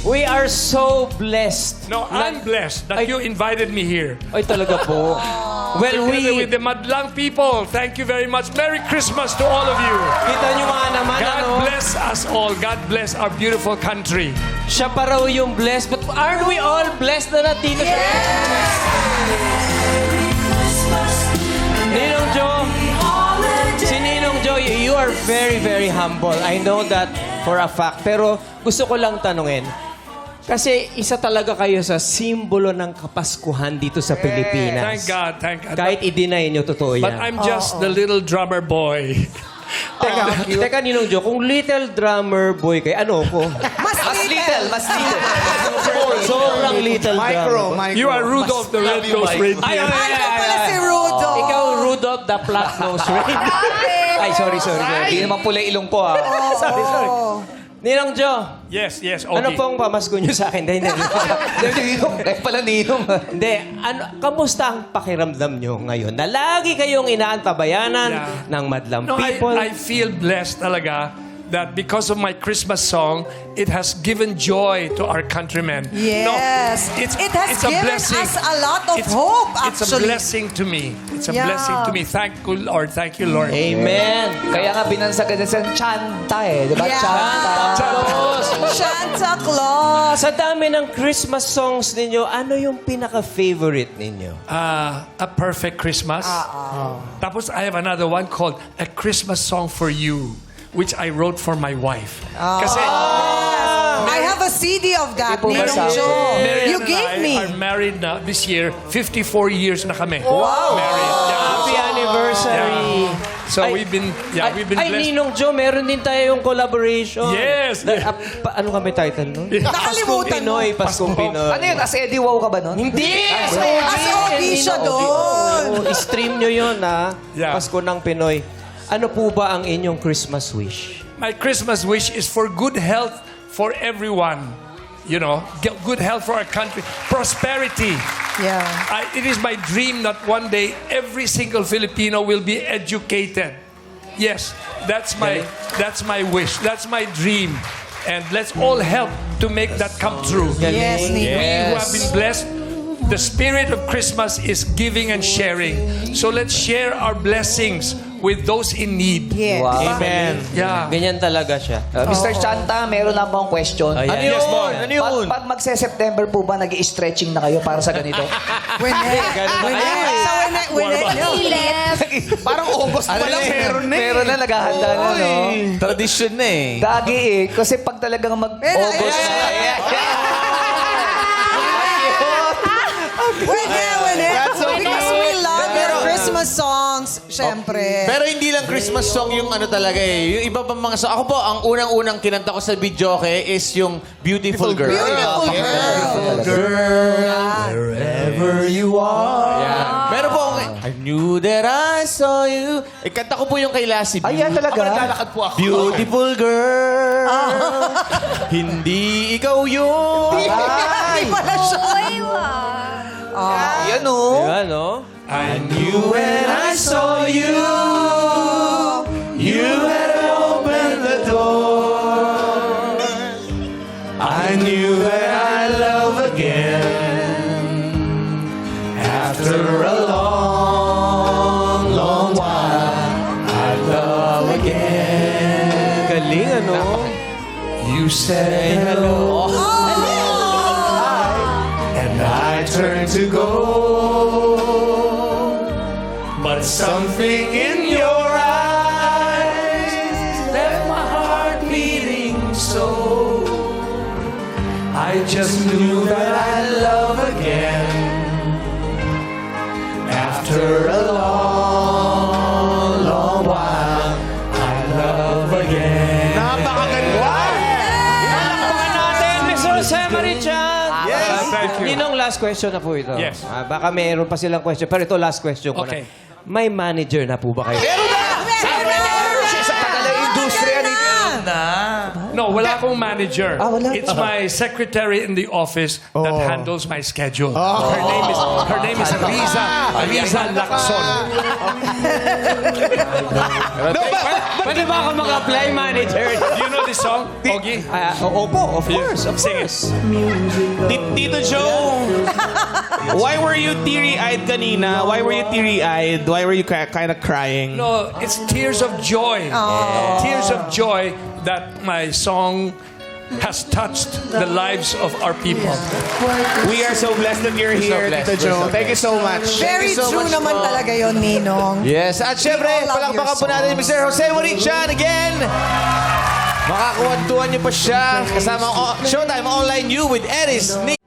We are so blessed. No, I'm blessed that you invited me here. Ay, talaga po. Well, Together with the Madlang people, thank you very much. Merry Christmas to all of you. kita nyo nga naman, God ano, bless us all. God bless our beautiful country. siya pa raw yung blessed. But aren't we all blessed na nandito siya? Ninong Joe, si Ninong Joe, you are very, very humble. I know that for a fact. Pero gusto ko lang tanungin, kasi isa talaga kayo sa simbolo ng Kapaskuhan dito sa Pilipinas. Thank God, thank God. Kahit i-deny nyo, totoo yan. But I'm just the little drummer boy. Teka, Ninong Joe, kung little drummer boy kayo, ano ko? Mas little. Sobrang little drummer. You are Rudolph the Red-Nosed Reindeer. Ay, Ikaw pala si Rudo. Ikaw, Rudolph the Flat-Nosed Reindeer. Ay, sorry. Hindi naman pula ilong ko, ah. Sorry. Ninong Joe, Yes, ano okay. pong pamasko nyo sa akin? Hindi. Eh, pala ninong. Hindi, kamusta ang pakiramdam nyo ngayon? Na lagi kayong inaantabayanan ng madlang No, people. I feel blessed talaga that because of my Christmas song, it has given joy to our countrymen. Yes. No, It has a given blessing. us a lot of hope, It's a actually. blessing to me. It's a Yeah. blessing to me. Thank you, Lord. Thank you, Lord. Amen. Kaya nga binansagan na sa Chanta eh. Di ba? Yeah. Chanta. Santa Claus. Sa dami ng Christmas songs ninyo, ano yung pinaka-favorite ninyo? A Perfect Christmas. Tapos I have another one called A Christmas Song for You, which I wrote for my wife. Kasi I have a CD of that, Ito ba Ninong sa- Joe. Mary You and gave I me. are married now this year. 54 years na kami. Wow! Married. Happy anniversary. So we've been blessed. Ninong Joe, meron din tayo yung collaboration. Yes. Ano kami title nun? Paskong Nakalimutan mo. Pinoy, Paskong Pinoy. Ano yun? As Eddie Wow ka ba nun? Hindi! As OG siya doon. I-stream nyo yun, ha? Yeah. Pasko ng Pinoy. Ano po ba ang inyong Christmas wish? My Christmas wish is for good health for everyone. You know, get good health for our country. Prosperity. Yeah. It is my dream that one day every single Filipino will be educated. Yes, that's my wish. That's my dream. And let's all help to make that come true. Yes, Ninong. We who have been blessed, the spirit of Christmas is giving and sharing. So let's share our blessings with those in need. Yes. Wow. Amen. Yeah. Ganyan talaga siya. Mr. Chanta, meron na akong question. Ayan. Ano Yes, ma'am. Ano yun? Pag magse-September po ba, nag-i-stretching na kayo para sa ganito? Winnet. Parang August pa lang, meron na eh. Meron na, naghahanda na, no? Tradisyon na eh. Dagi eh. Kasi pag talagang mag-August na. That's so Because cute. we love your Christmas songs, syempre. Pero hindi lang Christmas song yung ano talaga eh. Yung iba pang mga song. Ako po, ang unang-unang kinanta ko sa videoke is yung Beautiful Girl. Beautiful girl. Wherever you are. Yeah. Pero po, I knew that I saw you. Kanta ko po yung kay Lassie B. Ay, yan talaga? Ako naglalakad po ako. Beautiful girl. Hindi ikaw yun. Hindi pala siya. Yan o. Yan, no? I knew when I saw you, you had opened the door. I knew that I love again after a long, long while. I love again. Galing, ano? You say hello, and I turn to go. But something in your eyes left my heart beating so. I just knew that I'd love again after a long, long while. I love again. Napakaganda! Palakpakan natin, Miss Jose Marichan! Yes. Thank you. Ninong, last question na po ito. Yes. Baka mayroon pa silang question, pero ito last question ko Okay. na. May manager na po ba kayo? Meron na! Sa tagal ng industriya nito. No, wala akong manager. wala. It's my secretary in the office that handles my schedule. Her name is Riza Lacson. Pwede ba ako mag-apply manager? You know this song, Ogie? Opo, of course. Sing it. Tito Joe, why were you teary-eyed kanina? Why were you teary-eyed? Why were you kind of crying? No, it's tears of joy. Tears of joy that my song has touched the lives of our people. We are so blessed that you're here, Tito Joe. Thank you so much. Very true naman talaga yon, Ninong. Yes, at syempre, We all love palakpakan your po natin songs. Mr. Jose Morichan again. Makakuwantuhan niyo pa siya kasama ang Showtime Online You with Eris.